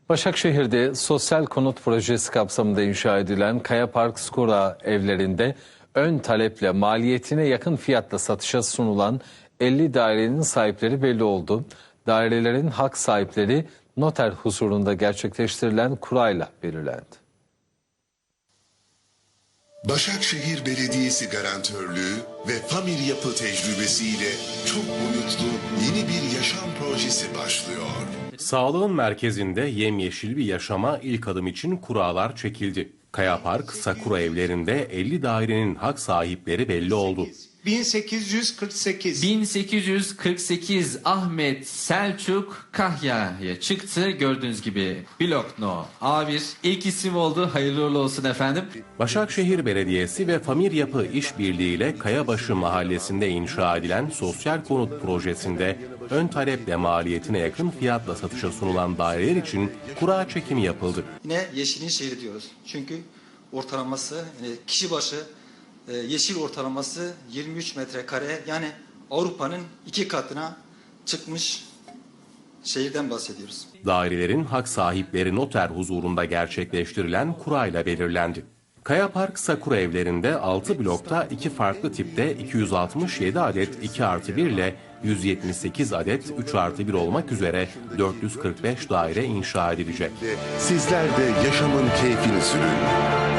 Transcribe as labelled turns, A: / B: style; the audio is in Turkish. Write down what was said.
A: Başakşehir'de sosyal konut projesi kapsamında inşa edilen Kaya Park Skora evlerinde ön taleple maliyetine yakın fiyatla satışa sunulan 50 dairenin sahipleri belli oldu. Dairelerin hak sahipleri noter huzurunda gerçekleştirilen kurayla belirlendi.
B: Başakşehir Belediyesi garantörlüğü ve Famir Yapı tecrübesiyle çok boyutlu yeni bir yaşam projesi başlıyor.
C: Sağlığın merkezinde yemyeşil bir yaşama ilk adım için kuralar çekildi. Kaya Park, Sakura evlerinde 50 dairenin hak sahipleri belli oldu.
D: 1848 Ahmet Selçuk Kahya'ya çıktı. Gördüğünüz gibi blok no A1 ilk isim oldu. Hayırlı uğurlu olsun efendim.
C: Başakşehir Belediyesi ve Famir Yapı işbirliğiyle Kayabaşı Mahallesi'nde inşa edilen sosyal konut projesinde ön taleple maliyetine yakın fiyatla satışa sunulan daireler için kura çekimi yapıldı.
E: Yine yeşilin şehri diyoruz. Çünkü ortalaması kişi başı yeşil ortalaması 23 metrekare, yani Avrupa'nın 2 katına çıkmış şehirden bahsediyoruz.
C: Dairelerin hak sahipleri noter huzurunda gerçekleştirilen kurayla belirlendi. Kaya Park Sakura evlerinde 6 blokta 2 farklı tipte 267 adet 2+1 ile 178 adet 3+1 olmak üzere 445 daire inşa edilecek.
B: Sizler de yaşamın keyfini sürün.